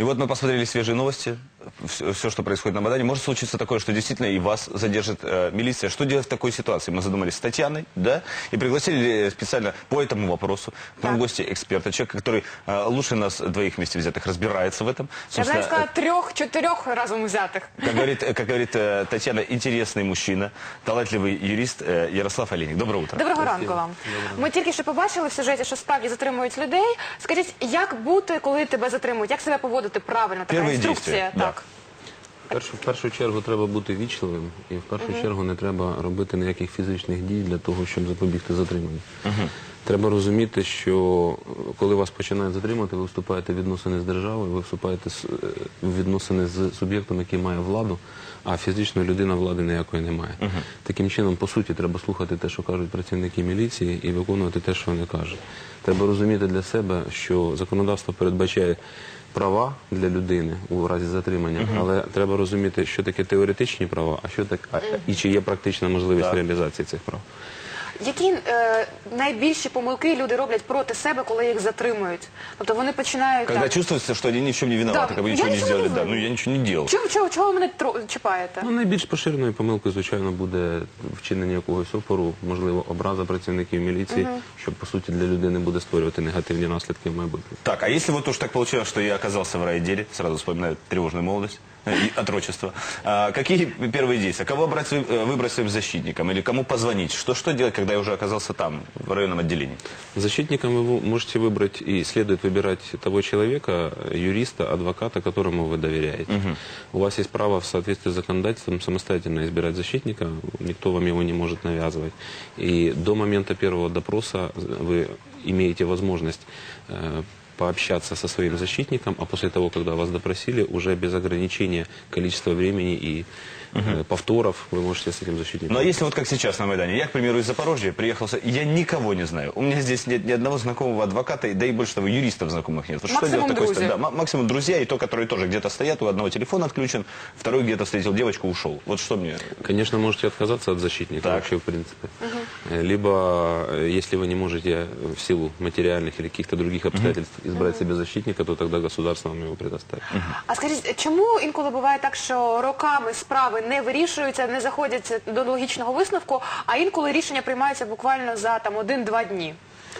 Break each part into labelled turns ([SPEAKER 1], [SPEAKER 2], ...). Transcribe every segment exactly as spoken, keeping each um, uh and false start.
[SPEAKER 1] И вот мы посмотрели свежие новости, все, все, что происходит на Майдане. Может случиться такое, что действительно и вас задержит э, милиция. Что делать в такой ситуации? Мы задумались с Татьяной, да, и пригласили специально по этому вопросу к нам в гости эксперта, человека, который э, лучше нас двоих вместе взятых разбирается в этом.
[SPEAKER 2] Я бы сказала, трех-четырех разом взятых.
[SPEAKER 1] Как говорит, как говорит э, Татьяна, интересный мужчина, талантливый юрист э, Ярослав Олейник. Доброе утро.
[SPEAKER 2] Доброго ранку вам. Ми тільки що побачили в сюжеті, що справді затримують людей. Скажіть, як бути, коли тебе затримують? Як себе поводити правильно? Така
[SPEAKER 1] Перші
[SPEAKER 2] інструкція.
[SPEAKER 1] дії,
[SPEAKER 2] Так.
[SPEAKER 3] В першу чергу треба бути вічливим, і в першу чергу не треба робити ніяких фізичних дій для того, щоб запобігти затриманню. Треба розуміти, що коли вас починають затримати, ви вступаєте в відносини з державою, ви вступаєте в відносини з суб'єктом, який має владу, а фізична людина влади ніякої не має. Таким чином, по суті, треба слухати те, що кажуть працівники міліції, і виконувати те, що вони кажуть. Треба розуміти для себе, що законодавство передбачає права для людини у разі затримання, але треба розуміти, що таке теоретичні права, а що так, а, і чи є практична можливість
[SPEAKER 1] Так.
[SPEAKER 3] реалізації цих прав.
[SPEAKER 2] Які е, найбільші помилки люди роблять проти себе, коли їх затримують? Тобто вони починають...
[SPEAKER 1] Когда
[SPEAKER 2] так,
[SPEAKER 1] чувствуется, что они ни в чем не виноваты,
[SPEAKER 2] Да,
[SPEAKER 1] как бы
[SPEAKER 2] я
[SPEAKER 1] ничего не
[SPEAKER 2] ничего
[SPEAKER 1] сделали.
[SPEAKER 2] не
[SPEAKER 1] Да,
[SPEAKER 2] знаю.
[SPEAKER 1] ну я ничего не делал.
[SPEAKER 2] Чого, чого, чого ви мене тро- чіпаєте?
[SPEAKER 3] Ну, найбільш поширеною помилкою, звичайно, буде вчинення якогось опору, можливо, образа працівників міліції, що, по суті, для людини буде створювати негативні наслідки в майбутньому.
[SPEAKER 1] Так, а если вот уж так получилось, что я оказался в райотделе, сразу вспоминаю тревожную молодость э, и отрочество, а, какие первые действия? Кого брать, вы- э, выбрать своим защитником или кому позвонить? Что, что делать, когда я уже оказался там, в районном отделении?
[SPEAKER 3] Защитником вы можете выбрать и следует выбирать того человека, юриста, адвоката, которому вы доверяете. У вас есть право в соответствии с законодательством самостоятельно избирать защитника, никто вам его не может навязывать. И до момента первого допроса вы имеете возможность э, пообщаться со своим защитником, а после того, когда вас допросили, уже без ограничения количества времени и э, повторов вы можете с этим защитником.
[SPEAKER 1] Ну а если вот как сейчас на Майдане, я, к примеру, из Запорожья приехал, с- я никого не знаю. У меня здесь нет ни одного знакомого адвоката, и- да и больше того, юристов знакомых нет. Вот что
[SPEAKER 2] Максимум
[SPEAKER 1] делать в такой
[SPEAKER 2] друзья.
[SPEAKER 1] ста- да, ма- максимум друзья, и то, которые тоже где-то стоят, у одного телефон отключен, второй где-то встретил девочку, ушел. Вот что мне...
[SPEAKER 3] Конечно, можете отказаться от защитника
[SPEAKER 1] Так.
[SPEAKER 3] вообще, в принципе. Э, Либо, э, если вы не можете в силу материальных или каких-то других обстоятельств избрать себе защитника, то тогда государство вам его предоставит.
[SPEAKER 2] А скажіть, чому інколи буває так, що роками справи не вирішуються, не заходять до логічного висновку, а інколи рішення приймаються буквально за там один-два дні?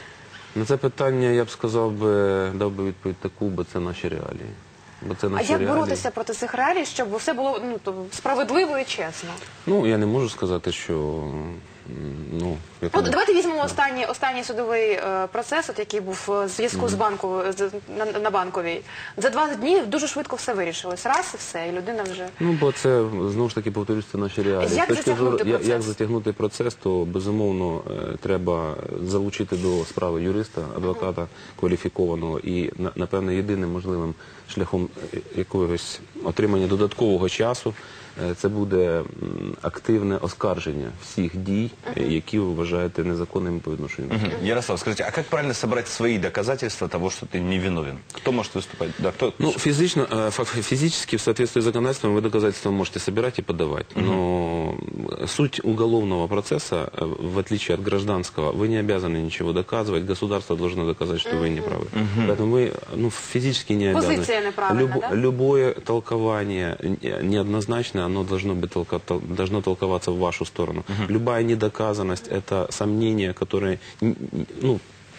[SPEAKER 3] На це питання я б сказав би, дав би відповідь таку, бо це наші реалії. Бо це
[SPEAKER 2] А
[SPEAKER 3] наші
[SPEAKER 2] як
[SPEAKER 3] реалії.
[SPEAKER 2] боротися проти цих реалій, щоб все було ну, то, справедливо і чесно?
[SPEAKER 3] Ну, я не можу сказати, що... м, Ну,
[SPEAKER 2] Ну,
[SPEAKER 3] якому-
[SPEAKER 2] давайте візьмемо останній, останній судовий е, процес, от, який був е, в зв'язку з банку, з, на, на банковій. За два дні дуже швидко все вирішилось. Раз і все, і людина вже...
[SPEAKER 3] Ну, бо це, знову ж таки, повторюсь, це наші реалії.
[SPEAKER 2] Як
[SPEAKER 3] З точки
[SPEAKER 2] затягнути
[SPEAKER 3] зору- я-
[SPEAKER 2] процес?
[SPEAKER 3] Як затягнути процес, то, безумовно, е, треба залучити до справи юриста, адвоката кваліфікованого. І, на- напевно, єдиним можливим шляхом е, якогось отримання додаткового часу е, це буде м, активне оскарження всіх дій, е, які ви вважаєте незаконними по відношенню до себе.
[SPEAKER 1] Ярослав, скажите, а как правильно собрать свои доказательства того, что ты невиновен? Кто может выступать? Да, кто?
[SPEAKER 3] Ну, физично, э, фак- физически, в соответствии с законодательством, вы доказательства можете собирать и подавать. Но суть уголовного процесса, э, в отличие от гражданского, вы не обязаны ничего доказывать. Государство должно доказать, что вы не правы. Поэтому вы ну, физически не обязаны.
[SPEAKER 2] Позиция неправильна, да?
[SPEAKER 3] Любое толкование э, неоднозначное, оно должно, быть толко- тол- должно толковаться в вашу сторону. Любая недоказанность – это сомнения, которые, н- н- ну,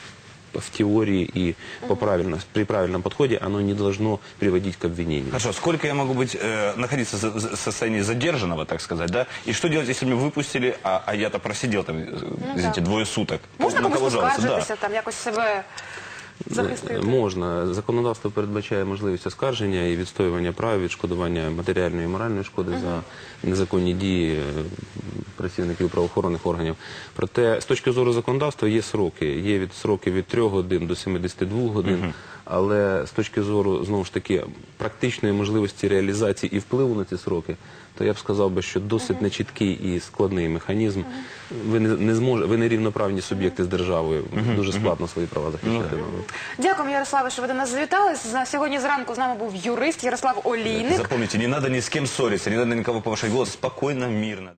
[SPEAKER 3] в теории и по правильно, при правильном подходе оно не должно приводить к обвинению.
[SPEAKER 1] Хорошо, сколько я могу быть, э, находиться за- за- в состоянии задержанного, так сказать, да? И что делать, если меня выпустили, а, а я-то просидел там, э, извините, двое суток?
[SPEAKER 2] Можна
[SPEAKER 1] На
[SPEAKER 2] комусь
[SPEAKER 1] кого жаловаться?
[SPEAKER 2] поскаржитися, там якось себе захистити?
[SPEAKER 3] Можна. Законодавство передбачає можливість оскарження і відстоювання прав, відшкодування матеріальної і моральної шкоди за незаконні дії е, працівників правоохоронних органів. Проте, з точки зору законодавства, є сроки. Є від сроки від трьох годин до сімдесяти двох годин. Але з точки зору, знову ж таки, практичної можливості реалізації і впливу на ці сроки, то я б сказав би, що досить нечіткий і складний механізм. Ви не, не зможе, ви не рівноправні суб'єкти з державою. Дуже складно свої права захищати.
[SPEAKER 2] Дякуємо, Ярославе, що ви до нас завітали. З- Сьогодні зранку з нами був юрист Ярослав Олійник.
[SPEAKER 1] Запомните, не надо ни с кем ссориться, не надо никого повышать голос, спокойно, мирно.